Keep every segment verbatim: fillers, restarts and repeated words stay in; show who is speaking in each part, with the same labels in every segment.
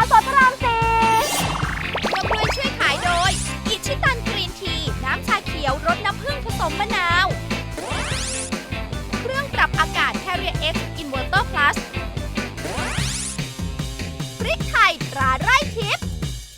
Speaker 1: สดพระรามสี่
Speaker 2: ร่วมด้วยช่วยขายโดยอิชิตันกรีนทีน้ำชาเขียวรสน้ำผึ้งผสมมะนาวเครื่องปรับอากาศ Carrier X Inverter Plus พริกไทยตราไร่ทิพย์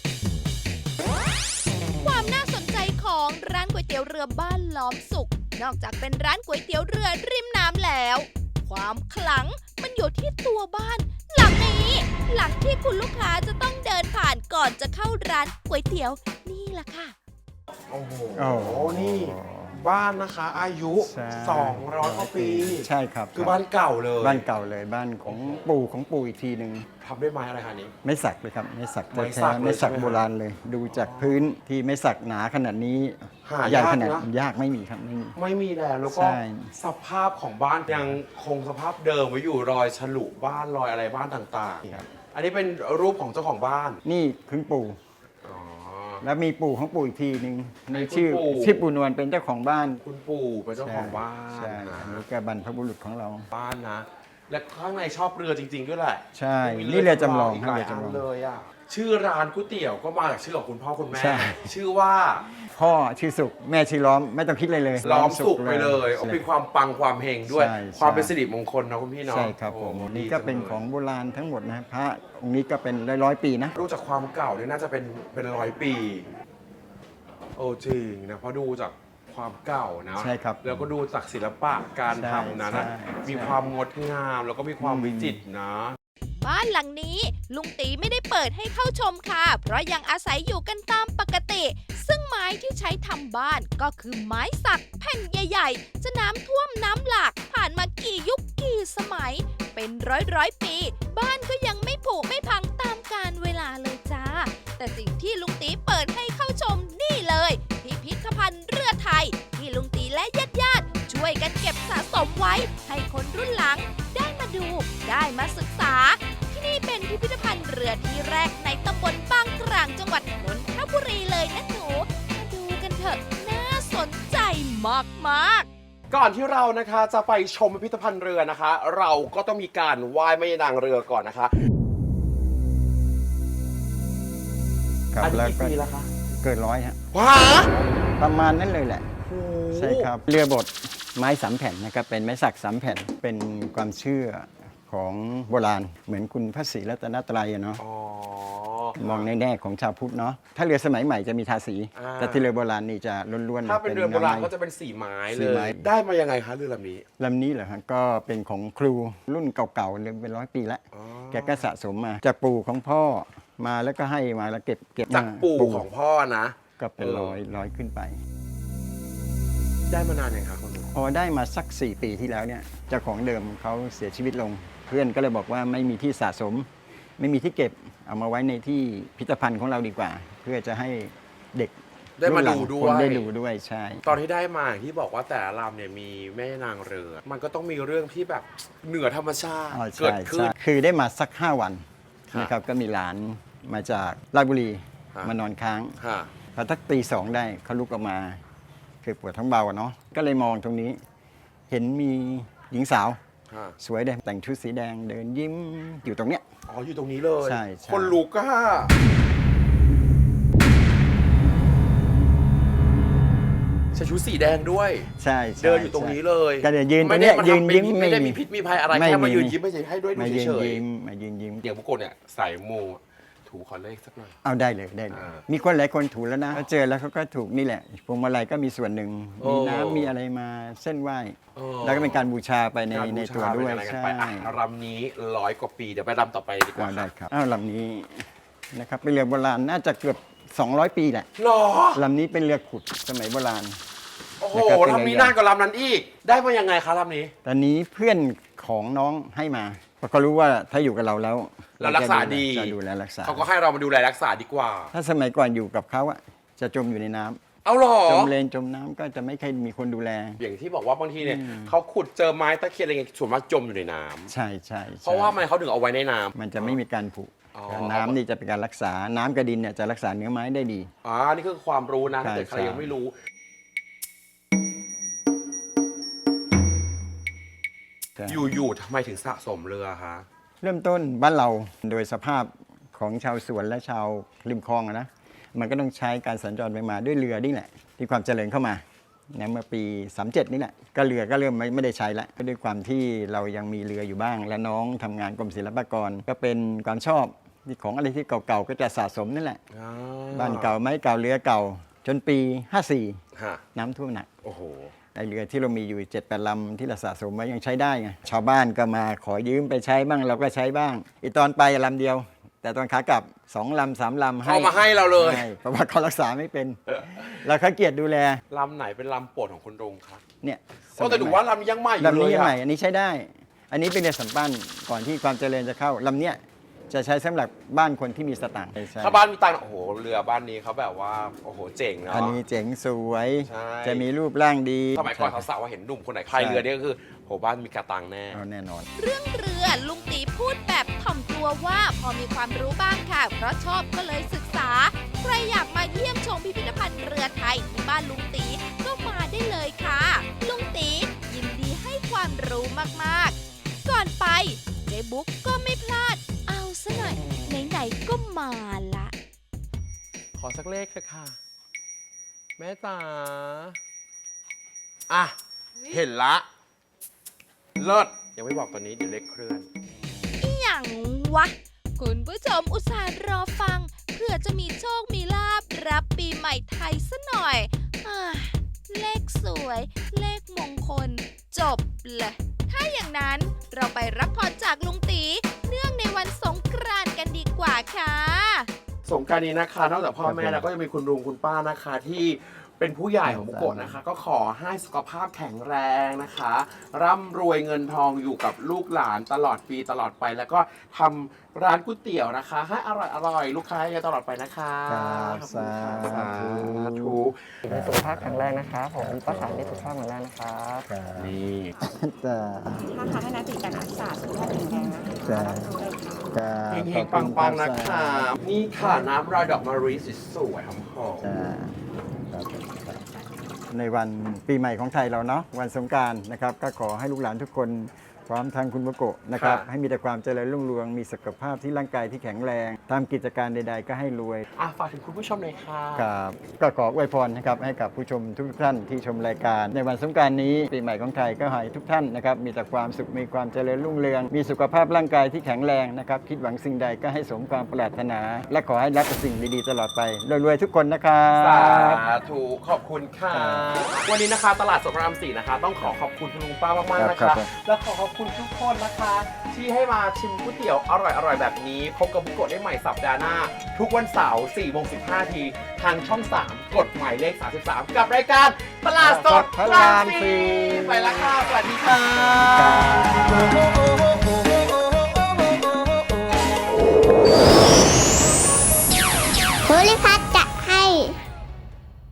Speaker 2: ความน่าสนใจของร้านก๋วยเตี๋ยวเรือบ้านล้อมสุขนอกจากเป็นร้านก๋วยเตี๋ยวเรือริมน้ำแล้ว ความขลังมันอยู่ที่ตัวบ้านหลังนี้หลังที่คุณลูกค้าจะต้องเดินผ่านก่อนจะเข้าร้านก๋วยเตี๋ยวนี่แหละค่ะ
Speaker 3: โอ้โห
Speaker 4: โอ้โห
Speaker 3: นี่บ้านนะคะอายุ
Speaker 4: ใช่
Speaker 3: สองร้อยกว่าปี
Speaker 4: ใช่ครับ
Speaker 3: คือบ้านเก่าเลย
Speaker 4: บ้านเก่าเลยบ้านของปู่ของปู่อีกทีหนึ่ง
Speaker 3: ทำด้วยไม้อะไรคะนี้
Speaker 4: ไม่สักเลยครับไม่สัก
Speaker 3: ไม้
Speaker 4: แท้
Speaker 3: สักเลย
Speaker 4: ๆไม่สัก
Speaker 3: ใช่ไหม
Speaker 4: โบราณเลย ดูจากพื้นที่ไม่สักหนาขนาดนี้
Speaker 3: หายาก
Speaker 4: ใหญ่ขนาด
Speaker 3: นะ
Speaker 4: ยากไม่มีครับไม่มี
Speaker 3: ไม่มีแล้วแล้วก็
Speaker 4: ใช่
Speaker 3: สภาพของบ้านยังคงสภาพเดิมไว้อยู่รอยฉลุบ้านรอยอะไรบ้านต่าง
Speaker 4: ครับ
Speaker 3: ๆ อันนี้เป็นรูปของเจ้าของบ้าน
Speaker 4: นี่คือปู่
Speaker 3: อ๋อ
Speaker 4: แล้วมีปู่ของปู่อีกทีหนึ่ง
Speaker 3: ใน
Speaker 4: ในชื่อ
Speaker 3: คุณปู่
Speaker 4: ชื่อปู่นวลเป็นเจ้าของบ้าน
Speaker 3: คุณปู่เป็นเจ้าของบ้าน
Speaker 4: ใช่
Speaker 3: นะ
Speaker 4: อันนี้ก็บรรพบุรุษของเรา
Speaker 3: บ้านนะ และข้างในชอบเรือจริง ๆ ด้วยแหละ
Speaker 4: ใช่
Speaker 3: มี
Speaker 4: นี่เรือจำลอง
Speaker 3: อีก
Speaker 4: ครั
Speaker 3: ห
Speaker 4: บ
Speaker 3: ลาย
Speaker 4: เรือ
Speaker 3: อัน
Speaker 4: จำลอง
Speaker 3: เลยอ่ะชื่อร้านก๋วยเตี๋ยวก็มาจากชื่อของคุณพ่อคุณแม่
Speaker 4: ใช่
Speaker 3: ชื่อว่า
Speaker 4: พ่อชื่อสุขแม่ชื่อล้อมไม่ต้องคิดเลยเลย
Speaker 3: ล้อมสุกไปเลย
Speaker 4: ใช่
Speaker 3: เป็นความปังความเฮงด้วย
Speaker 4: ใช่
Speaker 3: ความ
Speaker 4: ใช่
Speaker 3: เป็นสิริมงคลนะคุณพี่เนาะ
Speaker 4: ใช่ครับผม
Speaker 3: โอ้
Speaker 4: นี่
Speaker 3: ดี
Speaker 4: ก็
Speaker 3: จั
Speaker 4: เป็น
Speaker 3: ลย
Speaker 4: ของโบราณทั้งหมดนะพระองค์นี้ก็เป็นร้อยร้อยๆปีนะ
Speaker 3: รู้จากความเก่าเนี่ยน่าจะเป็นเป็นร้อยปีโอ้จริงนะเพราะดูจากความเก่านะ
Speaker 4: ใช่ครับ
Speaker 3: แล้วก็ดูจากศิลปะการ
Speaker 4: ใช่
Speaker 3: ทำนั้นนะ
Speaker 4: ใช่
Speaker 3: มีความงดงามแล้วก็มีความ
Speaker 4: อืม
Speaker 3: วิจิตรนะ
Speaker 2: บ้านหลังนี้ลุงตีไม่ได้เปิดให้เข้าชมค่ะ เพราะยังอาศัยอยู่กันตามปกติ ซึ่งไม้ที่ใช้ทำบ้านก็คือไม้สักแผ่นใหญ่ๆ จะน้ำท่วมน้ำหลากผ่านมากี่ยุคกี่สมัย เป็นร้อยร้อยๆปี บ้านก็ยังไม่ผุไม่พังตามกาลเวลาเลยจ้า แต่สิ่งที่ลุงตีเปิดให้เข้าชมนี่เลย พิพิธภัณฑ์เรือไทย ที่ลุงตีและญาติๆช่วยกันเก็บสะสมไว้ ให้คนรุ่นหลังได้มาดูได้มาศึกษา ที่นี่เป็นพิพิธภัณฑ์เรือที่แรกในตำบลบางกลางจังหวัดนนทบุรีเลยนะหนู มาดูกันเถอะ น่าสนใจมากๆ
Speaker 3: ก่อนที่เรานะคะจะไปชมพิพิธภัณฑ์เรือนะคะ เราก็ต้องมีการไหว้แม่นางเรือก่อนนะคะ
Speaker 4: ครับ
Speaker 3: อันนี้
Speaker 4: แล้ว
Speaker 3: กี่
Speaker 4: ก็
Speaker 3: ปีแล้วคะ
Speaker 4: เกิดร้อยฮะ
Speaker 3: ว้า
Speaker 4: ประมาณนั้นเลยแหละ
Speaker 3: โอ้โห
Speaker 4: ใช่ครับเรือบดไม้สามแผ่นนะครับเป็นไม้สักสามแผ่นเป็นความเชื่อของโบราณเหมือนคุณพระศรีรัตนตรัยอะเนาะ
Speaker 3: อ๋อ
Speaker 4: มองในแง่ของชาวพุทธเนาะถ้าเรือสมัยใหม่จะมีทาสี
Speaker 3: อ่า
Speaker 4: แต่ที่เรือโบราณนี่จะล้วนๆ
Speaker 3: ถ้าเป็นเรือโบราณก็
Speaker 4: ไม้
Speaker 3: จะเป็นสีไม้
Speaker 4: สี
Speaker 3: เล
Speaker 4: ไม้
Speaker 3: ย ได้มายังไงคะเรือลำนี้
Speaker 4: ลำนี้เหรอฮะก็เป็นของครูรุ่นเก่าๆเรือเป็นร้อยปีแล้ว
Speaker 3: อ๋อ
Speaker 4: แกก็สะสมมาจากปู่ของพ่อมาแล้วก็ให้มาแล้วเก็บเก็บ
Speaker 3: จาก
Speaker 4: มา
Speaker 3: ปู่ของพ่อนะ
Speaker 4: ก็เป็น
Speaker 3: เออ
Speaker 4: ร้อยร้อยขึ้นไป
Speaker 3: ได้มานานยังคะคุณลุง
Speaker 4: พอได้มาสัก สี่ ปีที่แล้วเนี่ยเจ้าของเดิมเขาเสียชีวิตลง เพื่อนก็เลยบอกว่าไม่มีที่สะสม ไม่มีที่เก็บเอามาไว้ในที่พิพิธภัณฑ์ของเราดีกว่า เพื่อจะให้เด็ก
Speaker 3: ได้มา
Speaker 4: รุ่นหลั
Speaker 3: ดู
Speaker 4: ง
Speaker 3: ด้
Speaker 4: คว
Speaker 3: ย
Speaker 4: นได้ดูด้วยใช่
Speaker 3: ตอนที่ได้มาอย่างที่บอกว่าแต่ละลำเนี่ยมีแม่นางเรือ มันก็ต้องมีเรื่องที่แบบเหนือธรรมชาติ
Speaker 4: อ๋อ
Speaker 3: เกิ
Speaker 4: ใช่
Speaker 3: ดขึ้น
Speaker 4: ใช่คือได้มาสัก ห้า วัน
Speaker 3: ครับ
Speaker 4: นะครับก็มีหลานมาจากราชบุรี
Speaker 3: ครับ
Speaker 4: มานอนค้าง
Speaker 3: ค่ะ
Speaker 4: พอทักตีสองได้เขาลุกออกมาคือปวดท้องเบาอะเนาะก็เลยมองตรงนี้ เห็นมีหญิงสาว
Speaker 3: ค่ะ
Speaker 4: สวยเลยแต่งชุดสีแดงเดินยิ้มอยู่ตรงเนี้ย
Speaker 3: อ๋ออยู่ตรงนี้เลย
Speaker 4: ใช่ใช่
Speaker 3: คนลุกอะใส่ชุดสีแดงด้วย
Speaker 4: ใช่ใช่
Speaker 3: เดินอยู่ตรงนี้เลย
Speaker 4: ก็เดี๋ยวยืนตร
Speaker 3: ไม่
Speaker 4: ง
Speaker 3: ได้
Speaker 4: เนี้ย
Speaker 3: มา
Speaker 4: ยืน
Speaker 3: ทำ
Speaker 4: ยิ้ม
Speaker 3: ไม่ได้
Speaker 4: ไม่
Speaker 3: มีพิษมีภัยอะไร
Speaker 4: ไม่
Speaker 3: แค่มา
Speaker 4: มี
Speaker 3: ยืนยิ้มไม่ใช่ให้ด้วยดู
Speaker 4: มายืน
Speaker 3: เฉย
Speaker 4: ยิ้มมายืนยิ้ม
Speaker 3: ๆเดี๋ยวบุกโกะเนี่ยใส่มูถูขอเลขสักหน่อย
Speaker 4: เอาได้เลยได้เลย
Speaker 3: อ่า
Speaker 4: มีคนหลายคนถูกแล้วนะเขาเจอแล้วเขาก็ถูกนี่แหละพวงมาลัยก็มีส่วนหนึ่ง
Speaker 3: โอ้
Speaker 4: มีน้ำมีอะไรมาเส้นไหว้
Speaker 3: เออ
Speaker 4: แล้วก็เป็นการบูชาไปใน
Speaker 3: การ
Speaker 4: ใน
Speaker 3: บูชา
Speaker 4: ตัวด้วย
Speaker 3: เป็นอะไรกัน
Speaker 4: ใช่
Speaker 3: ไปอ่ะรำนี้ร้อยกว่าปีเดี๋ยวไปรำต่อไปดีกว่า
Speaker 4: เอาได้ครับอ้าวลำนี้นะครับเป็นเรือโบราณน่าจะเกือบสองร้อยปีแหละ
Speaker 3: หรอ
Speaker 4: ลำนี้เป็นเรือขุดสมัยโบราณ
Speaker 3: โอ้โห
Speaker 4: นะครับเป็น
Speaker 3: ลำนี้
Speaker 4: ไง
Speaker 3: นานกว่าลำนั้นอีก ได้มายังไงคะลำนี้
Speaker 4: ตอนนี้เพื่อนของน้องให้มาเพราะเขารู้ว่าถ้าอยู่กับเราแล้ว
Speaker 3: เรารักษาดี
Speaker 4: จะดูแลรักษา
Speaker 3: เขาก็ให้เรามาดูแลรักษาดีกว่า
Speaker 4: ถ้าสมัยก่อนอยู่กับเขาอะจะจมอยู่ในน้ำ
Speaker 3: เอาหรอ
Speaker 4: จมเลนจมน้ำก็จะไม่เคยมีคนดูแล
Speaker 3: อย่างที่บอกว่าบางทีเนี่ยเขาขุดเจอไม้ตะเคียนอะไรเงี้ยส่วนมากจมอยู่ในน้ำ
Speaker 4: ใช่ใช่
Speaker 3: เพราะว่ามันเขาถึงเอาไว้ในน้ำ
Speaker 4: มันจะไม่มีการผุ
Speaker 3: อ๋อ
Speaker 4: น้ำนี่จะเป็นการรักษาน้ำกระดินเนี่ยจะรักษาเนื้อไม้ได้ดี
Speaker 3: อ่านี่คือความรู้นะ
Speaker 4: ใช่
Speaker 3: ถ้าเกิดใคร
Speaker 4: ใช่
Speaker 3: ยังไม่รู้ อยู่ๆทำไมถึงสะสมเรือคะ
Speaker 4: เริ่มต้นบ้านเราโดยสภาพของชาวสวนและชาวริมคลองอะนะมันก็ต้องใช้การสัญจรไปมาด้วยเรือนี่แหละที่ความเจริญเข้ามานะเมื่อปีสามสิบเจ็ดนี่แหละก็เรือก็เริ่มไม่ไม่ได้ใช้ละก็ด้วยความที่เรายังมีเรืออยู่บ้าง และน้องทำงานกรมศิลปากรก็เป็นความชอบที่ของอะไรที่เก่าๆก็จะสะสมนั่นแหละ
Speaker 3: อ่
Speaker 4: บ้านเก่าไม้เก่าเรือเก่า จนปีห้าสี่
Speaker 3: ฮะ
Speaker 4: น้ำท่วมหนัก
Speaker 3: โอ้โห
Speaker 4: ไอเรือที่เรามีอยู่เจ็ดแปดลำที่เราสะสมไว้ยังใช้ได้ไงชาวบ้านก็มาขอยืมไปใช้บ้างเราก็ใช้บ้างอีตอนไปลำเดียว แต่ตอนขากลับสองลำสามลำ
Speaker 3: เขามาให้เราเลย
Speaker 4: ให้เพราะว่าเขารักษาไม่เป็น เราเขาเกียรติดูแล
Speaker 3: ลำไหนเป็นลำโปรดของคุณรงครับ
Speaker 4: เนี่ย
Speaker 3: โอ้แต่ดูว่าลำยังใหม่อยู่
Speaker 4: ลำ
Speaker 3: เล
Speaker 4: นี้
Speaker 3: ย
Speaker 4: ยัง
Speaker 3: อะ
Speaker 4: ใหม่อันนี้ใช้ได้ อันนี้เป็นเรือสำปั้นก่อนที่ความเจริญจะเข้าลำเนี้ยจะใช้สำหรับบ้านคนที่มีสตางค์ใช่
Speaker 3: ถ้าบ้านมีตังค์โอ้โหเรือบ้านนี้เขาแบบว่าโอ้โหเจ๋งเนาะ
Speaker 4: อันนี้เจ๋งสวย
Speaker 3: ใช่
Speaker 4: จะมีรูปร่างดี
Speaker 3: สมัยก่อนสาวๆว่าเห็นหนุ่มคนไหนพายเรือเนี่ยก็คือโหบ้านมีกระตังแน่
Speaker 4: เอาแน่นอน
Speaker 2: เรื่องเรือลุงตีพูดแบบถ่อมตัวว่าพอมีความรู้บ้างค่ะ เพราะชอบก็เลยศึกษา ใครอยากมาเยี่ยมชมพิพิธภัณฑ์เรือไทยที่บ้านลุงตีก็มาได้เลยค่ะ ลุงตียินดีให้ความรู้มากๆ ก่อนไปเจ๊บุ๊กก็ไม่พลาด เอาซะหน่อยไหนๆก็มาละ
Speaker 3: ขอสักเลขเถอะค่ะ แม่จ๋าอ่ะ เห็นละ เลิศยังไม่บอกตอนนี้เดี๋ยวเลขเคลื่อน
Speaker 2: อหย่างวะ คุณผู้ชมอุตส่าห์รอฟัง เพื่อจะมีโชคมีลาบรับปีใหม่ไทยซะหน่อยอาเลขสวย เลขมงคล จบเลย ถ้าอย่างนั้นเราไปรับพรจากลุงตีเนื่องในวันสงกรานต์กันดีกว่าค่ะ
Speaker 3: สงกรานต์นี้นะคะนอกจากพ่อแม่
Speaker 4: ครับผม
Speaker 3: แล้วก็ยังมีคุณลุงคุณป้านะคะที่เป็นผู้ใหญ่ของบุโกะนะคะ ก็ขอให้สุขภาพแข็งแรงนะคะ ร่ำรวยเงินทองอยู่กับลูกหลานตลอดปีตลอดไป แล้วก็ทำร้านก๋วยเตี๋ยวนะคะ ให้อร่อยอร่อยลูกค้าเยอะตลอดไปนะคะ
Speaker 4: ครับ
Speaker 3: ขอบคุณค่ะ
Speaker 4: สาธุ
Speaker 3: สาธุ
Speaker 1: มีสุขภาพแข็งแรงนะครับผมป้าขายมีสุขภาพแข็งแรงนะครับ
Speaker 3: นี่
Speaker 4: จะ
Speaker 5: ถ้าทำให้นักติการอักษาสุขภาพแข็งแรงนะคะ
Speaker 4: จะจะ
Speaker 3: เฮงๆปังๆนะคะ นี่ค่ะน้ำรอยดอกมะลิสวยๆหอม
Speaker 4: จะครับในวันปีใหม่ของไทยเราเนาะวันสงกรานต์นะครับก็ขอให้ลูกหลานทุกคนพร้อมทางคุณบุโกะนะครับให้มีแต่ความเจริญรุ่งเรืองมีสุขภาพที่ร่างกายที่แข็งแรงทำกิจการใด ๆ ก็ให้รวย
Speaker 3: ๆอ่ะฝากถึงคุณผู้ชมหน่อยค่ะ
Speaker 4: ครับก็ขออวยพรนะครับให้กับผู้ชมทุกท่านที่ชมรายการ ในวันสงกรานต์นี้ปีใหม่ของไทยก็ให้ทุกท่านนะครับมีแต่ความสุขมีความเจริญรุ่งเรือง มีสุขภาพร่างกายที่แข็งแรงนะครับคิดหวังสิ่งใดก็ให้สมความปรารถนา และขอให้รับแต่สิ่งดีๆตลอดไปรวยๆทุกคนนะครับ
Speaker 3: สาธุขอบคุณค่ะ วันนี้นะคะตลาดสดพระรามสี่นะคะ ต้องขอขอบคุณคุณลุงป้ามากๆนะ
Speaker 4: ครั
Speaker 3: คะ
Speaker 4: บครับ
Speaker 3: และขอขอบคุณทุกคนนะคะ ที่ให้มาชิมก๋วยเตี๋ยวอร่อยๆแบบนี้พบกับบุโกะได้ใหม่สัปดาห์หน้า ทุกวันเสาร์สี่โมงสิบห้าทีทางช่องสามกดหมายเลขสามสิบสามกับรายการตลาดสดพระรามสี่ไปแล้วค่ะสวัสดีค่ะ